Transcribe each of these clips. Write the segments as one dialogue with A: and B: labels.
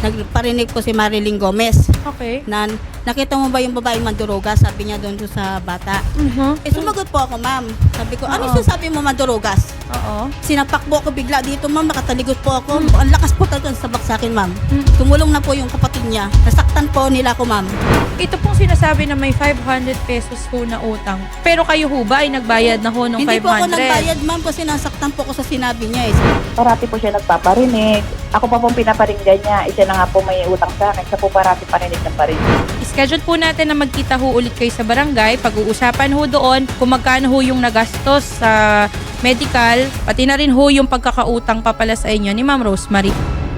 A: nagparinig po si Marilyn Gomez
B: Okay.
A: na nakita mo ba yung babaeng mandurugas? Sabi niya doon sa bata. Sumagot po ako, ma'am. Sabi ko, ano sinasabi mo mandurugas?
B: Oo.
A: Sinapak po ako bigla dito, ma'am. Nakataligot po ako. Ang lakas po talaga ng sabak sa akin, ma'am. Tumulong na po yung kapatid niya. Nasaktan po nila ako, ma'am.
B: Ito pong sinasabi na may 500 pesos ho na utang. Pero kayo ho ba ay nagbayad na ho ng 500?
A: Hindi po ako nagbayad, ma'am, kasi nasaktan po ako sa sinabi niya.
C: Parati po siya nagpaparinig. Ako pa pong pinaparinggan niya. Isa na nga po may utang sa akin. Siya po parati parinig ng parinig.
B: Schedule po natin na magkita ho ulit kayo sa barangay. Pag-uusapan ho doon kung magkano ho yung nagastos sa medical, pati na rin ho yung pagkakautang pa pala sa inyo ni Ma'am Rosemary.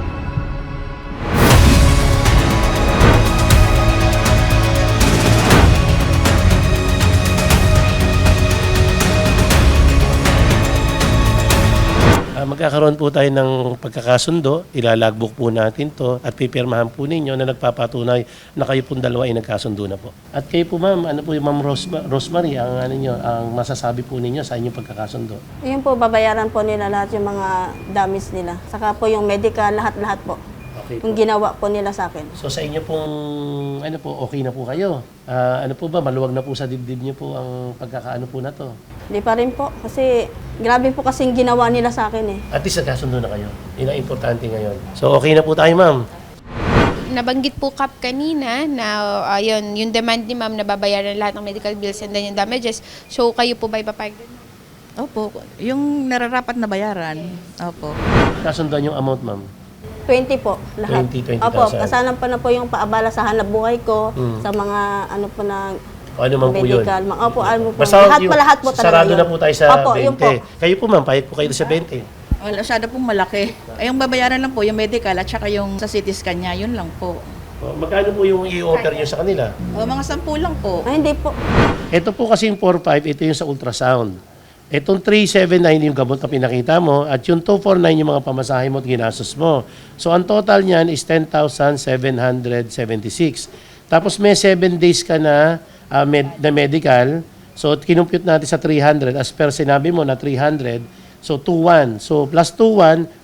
D: Magkakaroon po tayo ng pagkakasundo, ilalagbook po natin to at pipirmahan po ninyo na nagpapatunay na kayo pong dalawa ay nagkasundo na po. At kayo po ma'am, ano po yung Ma'am Rosemary, ang masasabi po ninyo sa inyong pagkakasundo?
A: Yun po, babayaran po nila lahat yung mga damage nila. Saka po yung medical, lahat-lahat po.
D: Okay po.
A: Yung ginawa po nila sa akin.
D: So sa inyo pong, ano po, okay na po kayo? Ano po ba, maluwag na po sa dibdib niyo po ang pagkakaano po na to?
A: Hindi pa rin po, kasi grabe po kasing ginawa nila sa akin eh.
D: At least nagkasundo na kayo. Yun ang importante ngayon. So okay na po tayo ma'am.
E: Nabanggit po Kap kanina na yung demand ni ma'am na babayaran lahat ng medical bills and then yung damages. So kayo po ba ipapayag din?
F: Opo, yung nararapat na bayaran. Opo.
D: Kasunduan yung amount ma'am.
A: 20 po, lahat.
D: 20,000.
A: Opo, kasalan pa na po yung paabala sa hanap buhay ko, sa mga ano po na
D: O ano man po yun.
A: medical. Opo, ano po.
D: Basta
A: Lahat po talaga
D: sarado
A: yun.
D: na po tayo sa
A: Opo,
D: 20.
A: yun po.
D: Kayo po ma'am, payag po kayo sa 20.
F: Wala, masyado pong malaki. Ay, yung babayaran lang po, yung medical at saka yung sa CT scan niya, yun lang po.
D: O, magkano po yung i-offer nyo sa kanila?
F: O, mga 10 lang po.
A: Ay, hindi po.
D: Ito po kasi yung 4-5, ito yung sa ultrasound. Itong 379 yung gamot na pinakita mo at yung 249 yung mga pamasahe mo at ginastos mo. So ang total niyan is 10,776. Tapos may 7 days ka na medical. So kinumpute natin sa 300 as per sinabi mo na 300. So 2,1. So plus 2,1,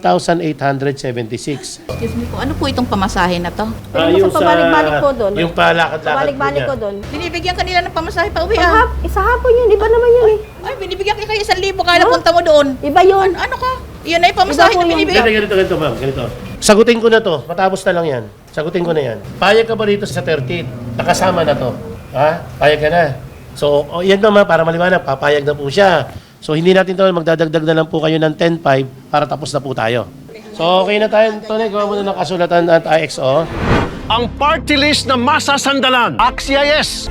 D: 12,876.
F: Excuse me po, ano po itong pamasahe na to?
A: Yung sa pabalik-balik po doon.
D: Yung palakad-lakad
A: Pabalik-balik
D: niya.
A: ko doon.
F: Binibigyan kanila ng pamasahe pa uwi
A: Isa hapon yun, iba naman yun eh.
F: Ay, binibigyan kayo 1,000 kaya punta mo doon.
A: Iba yun.
F: Ano ka? Iyan na yung pamasahe
A: Iba po
F: na
A: yung-
F: binibigyan.
D: Ganito ma'am, ganito. Sagutin ko na to, matapos na lang yan. Sagutin ko na yan. Payag ka ba rito sa 13th? Nakasama na to. Ha? Payag ka na. So, yan naman para maliwanag, papayag na po siya. So, hindi natin to, magdadagdag na lang po kayo ng 10.5 para tapos na po tayo. So, okay na tayo. Tony, gawa mo na ng kasulatan at IXO.
G: Ang party list na masasandalan. Axia yes!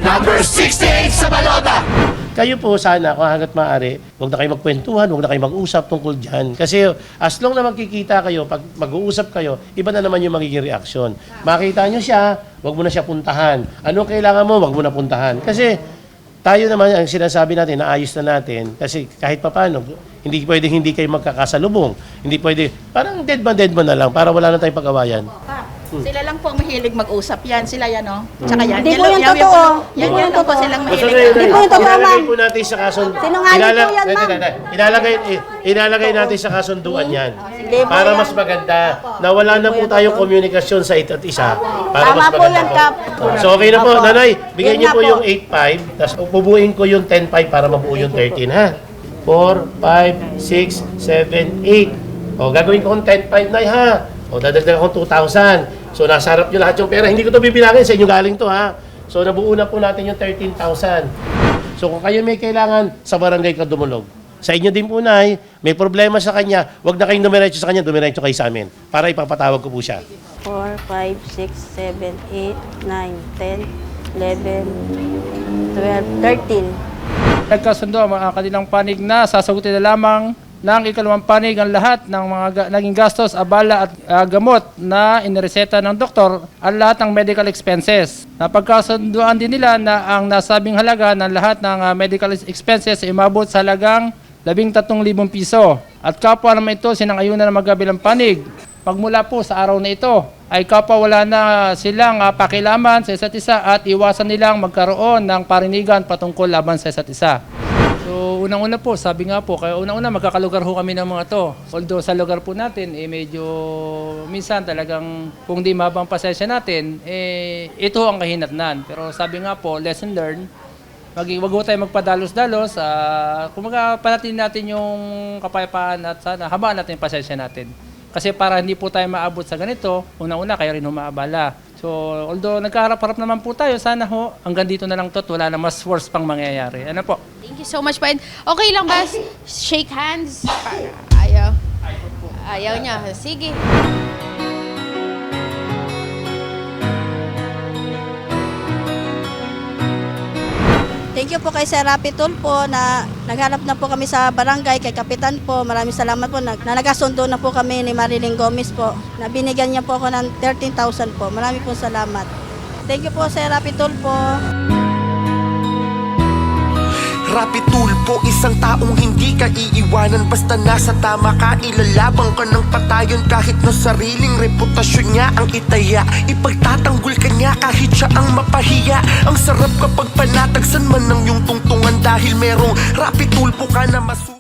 D: Kayo po sana, kung hanggat maaari, huwag na kayo magkwentuhan, huwag na kayo mag-usap tungkol dyan. Kasi as long na magkikita kayo, pag mag-uusap kayo, iba na naman yung magiging reaksyon. Makita nyo siya, huwag mo na siya puntahan. Ano kailangan mo, huwag mo na puntahan. Kasi tayo naman, ang sinasabi natin, naayos na natin. Kasi kahit papano, hindi pwedeng hindi kayo magkakasalubong. Hindi pwede, parang dead man na lang, para wala na tayong pag-awayan.
F: Sila lang po ang mahilig mag-usap. Yan, sila yan, no? Tsaka yan.
A: Hindi po yung totoo.
F: Yan,
A: Hindi po
F: yan
A: yung
F: lang po
A: totoo.
F: silang
D: So,
F: mahilig.
A: Hindi po yung totoo,
D: ilalagay
A: ma'am.
D: po natin sa kasun...
A: Sinungaling po yan, ma'am.
D: Ilalagay natin sa kasunduan yan.
A: Hindi po
D: Para
A: yan.
D: mas maganda na wala na po tayong komunikasyon sa isa't isa. Para
A: Tama
D: mas
A: po
D: maganda
A: yan, Kap.
D: So okay na po,
A: Opo.
D: nanay, bigyan
A: Yan
D: niyo
A: nga
D: po
A: po.
D: yung 8.5, tapos pubuin ko yung 10.5 para mabuo yung 13, ha? 4, 5, 6, 7, 8. O, gagawin ko kung 10.5 na, ha? O, dadagdagan ko 2,000. So, nasa harap nyo lahat yung pera. Hindi ko to bibilangin, sa inyo galing to, ha? So, nabuo na po natin yung 13,000. So, kung kayo may kailangan, sa barangay ka dumulog. Sa inyo din po, Nay, may problema sa kanya, huwag na kayong dumiretso sa kanya, dumiretso kayo sa amin para ipapatawag ko po siya.
A: 4, 5, 6, 7, 8, 9, 10, 11, 12, 13.
H: Nagkasundo ang mga kanilang panig na sasagutin na lamang ng ikalawang panig ang lahat ng mga naging gastos, abala at gamot na inireseta ng doktor at lahat ng medical expenses. Napagkasunduan din nila na ang nasabing halaga ng lahat ng medical expenses ay umabot sa halagang 13,000 piso. At kapwa naman ito sinang-ayunan ng magkabilang panig. Pagmula po sa araw na ito ay kapwa wala na silang pakilaman sa isa't isa at iwasan nilang magkaroon ng parinigan patungkol laban sa isa't isa. So unang-una po, sabi nga po, kaya unang-una magkakalugar ho kami ng mga to. Although sa lugar po natin, medyo minsan talagang kung di mabang pasensya natin, ito ho ang kahinatnan. Pero sabi nga po, lesson learned, wag ho tayo magpadalos-dalos, kumaga panatin natin yung kapayapaan at sana habaan natin yung pasensya natin. Kasi para hindi po tayo maabot sa ganito, unang-una kayo rin humaabala. So, although nagkaharap-harap naman po tayo, sana ho, hanggang dito na lang to, wala na mas worse pang mangyayari. Ano po?
E: Thank you so much po. And okay lang ba shake hands? Ayaw. Ayaw niya. Sige.
A: Thank you po kay Sir Rapi Tulfo na naghanap na po kami sa barangay, kay Kapitan po. Maraming salamat po na nagkasundo na po kami ni Marilyn Gomez po. Na binigyan niya po ako ng 13,000 po. Maraming po salamat. Thank you po Sir Rapi Tulfo.
I: Rapi Tulfo, isang taong hindi ka iiwanan. Basta nasa tama ka, ilalabang ka ng patayon. Kahit na sariling reputasyon niya ang itaya, ipagtatanggol ka niya kahit siya ang mapahiya. Ang sarap kapag panatagsan man ng iyong tungtungan, dahil merong Rapi Tulfo ka na